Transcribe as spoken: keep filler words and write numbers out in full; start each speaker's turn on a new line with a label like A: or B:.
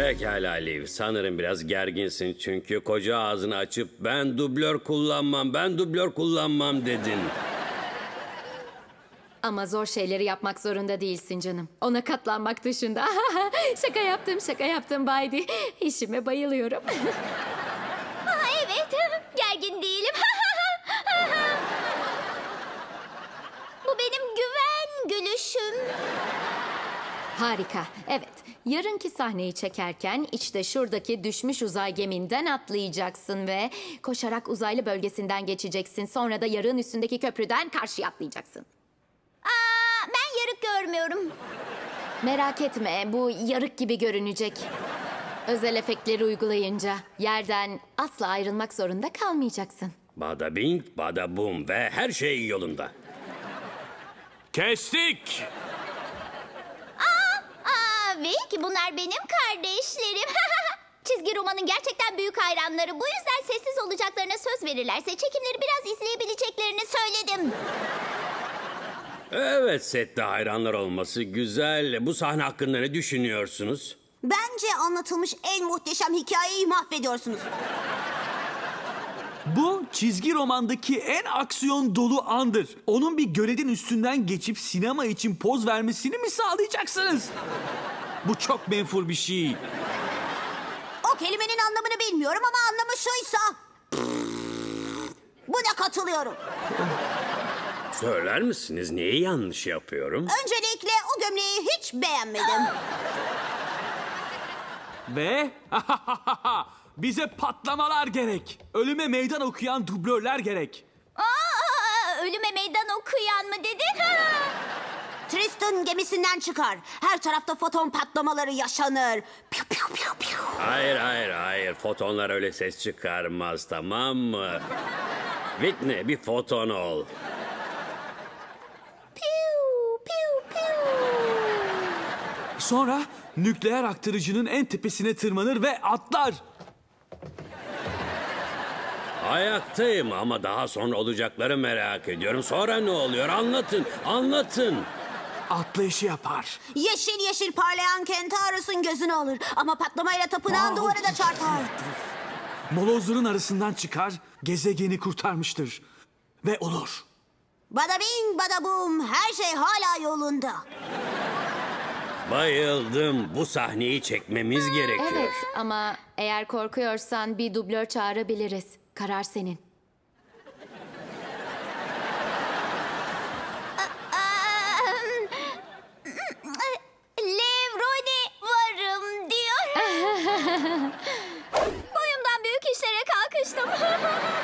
A: Pekala Liv, sanırım biraz gerginsin çünkü koca ağzını açıp ben dublör kullanmam, ben dublör kullanmam dedin.
B: Ama zor şeyleri yapmak zorunda değilsin canım. Ona katlanmak dışında. Şaka yaptım, şaka yaptım Baydi. İşime bayılıyorum.
C: Aa, evet, gergin değilim. Bu benim güven gülüşüm.
B: Harika. Evet, yarınki sahneyi çekerken işte şuradaki düşmüş uzay geminden atlayacaksın ve koşarak uzaylı bölgesinden geçeceksin. Sonra da yarığın üstündeki köprüden karşıya atlayacaksın.
C: Aa, ben yarık görmüyorum.
B: Merak etme, bu yarık gibi görünecek. Özel efektleri uygulayınca yerden asla ayrılmak zorunda kalmayacaksın.
A: Bada bing, bada bum ve her şey yolunda.
D: Kestik.
C: Aa, ve ki bunlar benim kardeşlerim. Çizgi romanın gerçekten büyük hayranları. Bu yüzden sessiz olacaklarına söz verirlerse çekimleri biraz izleyebileceklerini söyledim.
A: Evet, sette hayranlar olması güzel. Bu sahne hakkında ne düşünüyorsunuz?
E: Bence anlatılmış en muhteşem hikayeyi mahvediyorsunuz.
D: Bu çizgi romandaki en aksiyon dolu andır. Onun bir göledin üstünden geçip sinema için poz vermesini mi sağlayacaksınız? Bu çok menfur bir şey.
E: O kelimenin anlamını bilmiyorum ama anlamı şuysa... Buna katılıyorum.
A: Söyler misiniz neyi yanlış yapıyorum?
E: Öncelikle o gömleği hiç beğenmedim.
D: Ve bize patlamalar gerek. Ölüme meydan okuyan dublörler gerek.
C: Aa, ölüme meydan okuyan mı dedin?
E: Tristan gemisinden çıkar. Her tarafta foton patlamaları yaşanır. Piu piu piu piu.
A: Hayır, hayır, hayır. Fotonlar öyle ses çıkarmaz, tamam mı? Whitney, bir foton ol.
C: Piu, piu, piu.
D: Sonra nükleer aktarıcının en tepesine tırmanır ve atlar.
A: Ayaktayım ama daha sonra olacakları merak ediyorum. Sonra ne oluyor? Anlatın, anlatın.
D: Atlayışı yapar.
E: Yeşil yeşil parlayan Kentaurus'un gözünü alır. Ama patlamayla tapınağın
D: Wow.
E: duvarı da çarpar.
D: Molozların arasından çıkar, gezegeni kurtarmıştır. Ve olur.
E: Bada bing bada bum, her şey hala yolunda.
A: Bayıldım. Bu sahneyi çekmemiz gerekiyor.
B: Evet ama eğer korkuyorsan bir dublör çağırabiliriz. Karar senin.
C: Aa, Levrone varım diyor. Boyumdan büyük işlere kalkıştım.